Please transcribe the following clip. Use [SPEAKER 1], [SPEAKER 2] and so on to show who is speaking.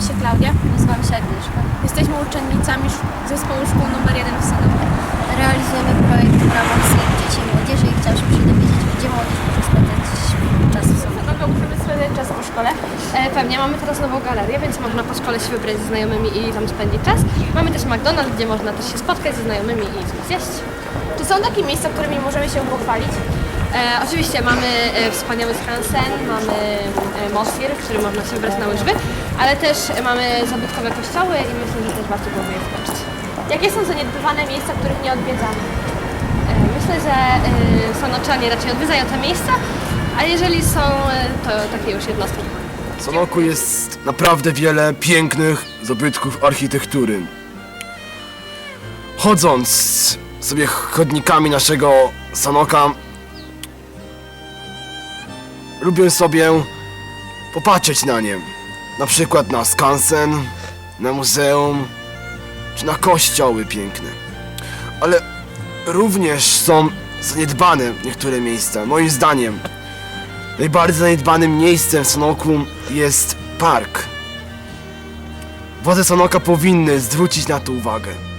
[SPEAKER 1] się Klaudia.
[SPEAKER 2] Nazywam się Agnieszka.
[SPEAKER 1] Jesteśmy uczennicami zespołu szkół nr 1 w Sanoku.
[SPEAKER 2] Realizujemy projekt w ramach Sejmu Dzieci i Młodzieży i chciałabym się dowiedzieć, gdzie młodzież może spędzać czas w Sanoku.
[SPEAKER 1] Sanoku możemy spędzać czas po szkole.
[SPEAKER 3] Pewnie, mamy teraz nową galerię, więc można po szkole się wybrać ze znajomymi i tam spędzić czas. Mamy też McDonald's, gdzie można też się spotkać ze znajomymi i coś zjeść.
[SPEAKER 1] Czy są takie miejsca, którymi możemy się pochwalić?
[SPEAKER 3] Oczywiście mamy wspaniały skansen, mamy Mosfir, w którym można się wybrać na łyżwy, ale też mamy zabytkowe kościoły i myślę, że też warto byłoby je zobaczyć.
[SPEAKER 1] Jakie są zaniedbywane miejsca, których nie odwiedzamy?
[SPEAKER 3] Myślę, że Sanoczanie raczej odwiedzają te miejsca, a jeżeli są, to takie już jednostki.
[SPEAKER 4] W Sanoku jest naprawdę wiele pięknych zabytków architektury. Chodząc sobie chodnikami naszego Sanoka, lubię sobie popatrzeć na nie. Na przykład na skansen, na muzeum, czy na kościoły piękne. Ale również są zaniedbane niektóre miejsca. Moim zdaniem najbardziej zaniedbanym miejscem w Sanoku jest park. Władze Sanoka powinny zwrócić na to uwagę.